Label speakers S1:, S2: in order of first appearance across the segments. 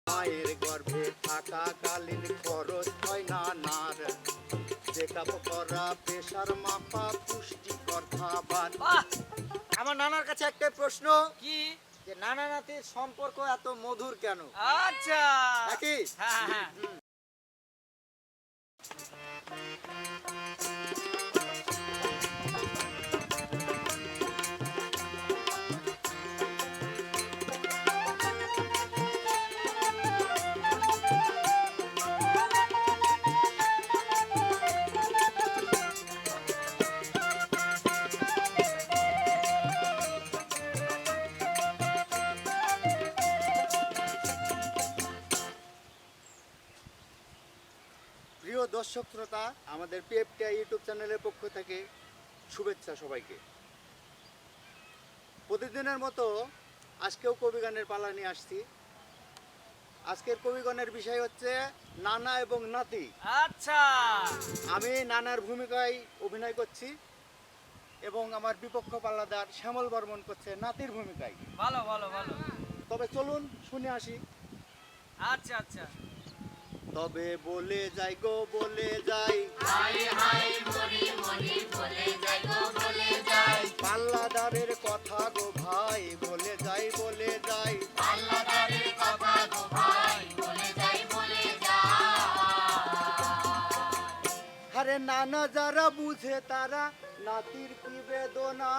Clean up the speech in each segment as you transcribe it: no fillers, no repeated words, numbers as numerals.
S1: মায়ের গর্ভে থাকাকালীন খরচ হয় নানার, চেকআপ করা, প্রেশার মাপা, পুষ্টিকর খাবার। আমার নানার কাছে একটা প্রশ্ন,
S2: কি?
S1: যে নানা নাতির সম্পর্ক এত মধুর কেন?
S2: আচ্ছা।
S1: নাকি?
S2: হ্যাঁ হ্যাঁ।
S1: প্রিয় দর্শক শ্রোতা, আমাদের পিএফটিআই ইউটিউব চ্যানেলের পক্ষ থেকে শুভেচ্ছা সবাইকে। প্রতিদিনের মতো আজকেও কবিগানের পালা নিয়ে আসছি। আজকের কবিগানের বিষয় হচ্ছে নানা এবং নাতি।
S2: আচ্ছা।
S1: আমি নানার ভূমিকায় অভিনয় করছি এবং আমার বিপক্ষ পাল্লাদার শ্যামল বর্মন করছে নাতির ভূমিকায়।
S2: ভালো ভালো ভালো।
S1: তবে চলুন শুনে আসি।
S2: আচ্ছা আচ্ছা।
S1: তবে বলে যাই গো বলে যাই, পাল্লাদারের কথা গো ভাই, বলে যাই বলে যাই। আরে নানা যারা বুঝে তারা নাতির কি বেদনা,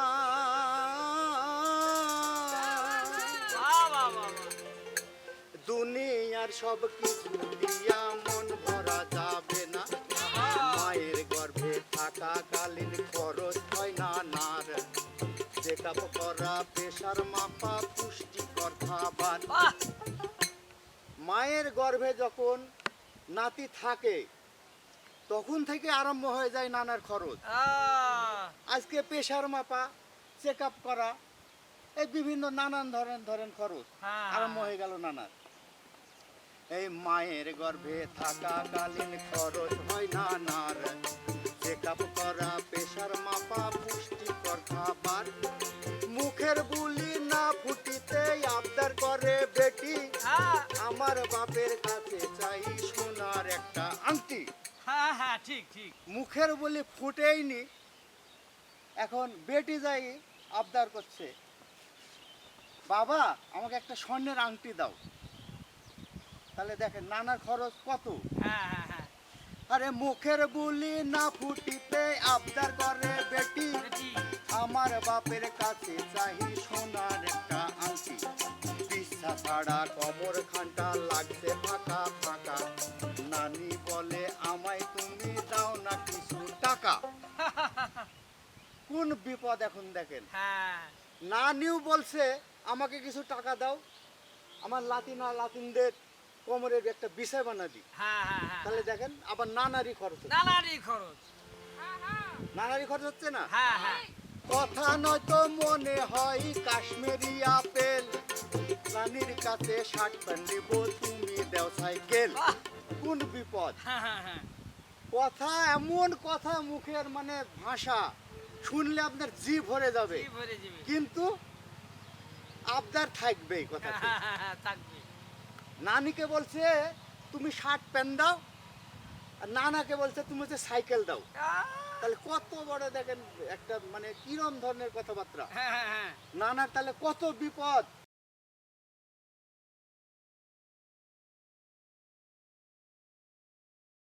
S2: বাহ বাহ বাহ।
S1: দুনিয়ার সব কিছু দিয়া মন ভরা যাবে না, মায়ের গর্ভে থাকাকালীন খরচ হয় নানার, চেকআপ করা, প্রেশার মাপা, পুষ্টিকর খাবার।
S2: বাহ।
S1: মায়ের গর্ভে যখন নাতি থাকে তখন থেকে আরম্ভ হয়ে যায় নানার খরচ। আজকে প্রেশার মাপা, চেকআপ করা, এই বিভিন্ন নানান ধরেন খরচ
S2: হ্যাঁ।
S1: আরম্ভ হয়ে গেল নানার। এই মায়ের গর্ভে থাকাকালীন খরচ হয় নানার, চেকআপ করা, প্রেশার মাপা, পুষ্টিকর খাবার। মুখের বুলি না ফুটিতে আবদার করে বেটি,
S2: হ্যাঁ
S1: আমার বাপের কাছে চাই সোনার একটা আংটি।
S2: হ্যাঁ হ্যাঁ, ঠিক ঠিক।
S1: মুখের বলি ফুটেইনি, এখন বেটি যাই আবদার করছে, বাবা আমাকে একটা স্বর্ণের আংটি দাও। তাহলে দেখেন নানার খরচ কত।
S2: হ্যাঁ হ্যাঁ হ্যাঁ।
S1: আরে মুখের বুলি না ফুটিতে আবদার করে বেটি,
S2: বেটি।
S1: আমার বাপের কাছে চাই সোনার একটা আংটি। পিসা ছাড়া কমর খানটা লাগছে ফাঁকা ফাঁকা, নানি বলে আমায় তুমি দাও না কিছু টাকা। কোন বিপদ এখন দেখেন।
S2: হ্যাঁ।
S1: নানিও বলছে আমাকে কিছু টাকা দাও, আমার লাতিনদের কোমরের একটা বিষয় বানা দিই।
S2: হ্যাঁ হ্যাঁ হ্যাঁ।
S1: তাহলে দেখেন আবার নানারই খরচ হচ্ছে।
S2: নানারই খরচ।
S1: নানারই খরচ হচ্ছে না।
S2: হ্যাঁ হ্যাঁ।
S1: কথা নয়তো মনে হয় কাশ্মীরি আপেল, নানির কাছে শার্ট প্যান্ট নিব, তুমি দেও সাইকেল।
S2: বাহ।
S1: কোন বিপদ।
S2: হ্যাঁ হ্যাঁ হ্যাঁ।
S1: কথা এমন কথা, মুখের মানে ভাষা শুনলে আপনার জিভ ভরে যাবে,
S2: কি ভরে যাবে।
S1: কিন্তু আবদার থাকবেই কথা।
S2: হ্যাঁ হ্যাঁ হ্যাঁ, থাকবে।
S1: নানিকে বলছে তুমি শার্ট প্যান্ট দাও, আর নানাকে বলছে তুমি হচ্ছে সাইকেল দাও। তাহলে কত বড় দেখেন একটা মানে কিরম ধরনের কথাবার্তা।
S2: হ্যাঁ হ্যাঁ হ্যাঁ।
S1: নানার তাহলে কত বিপদ।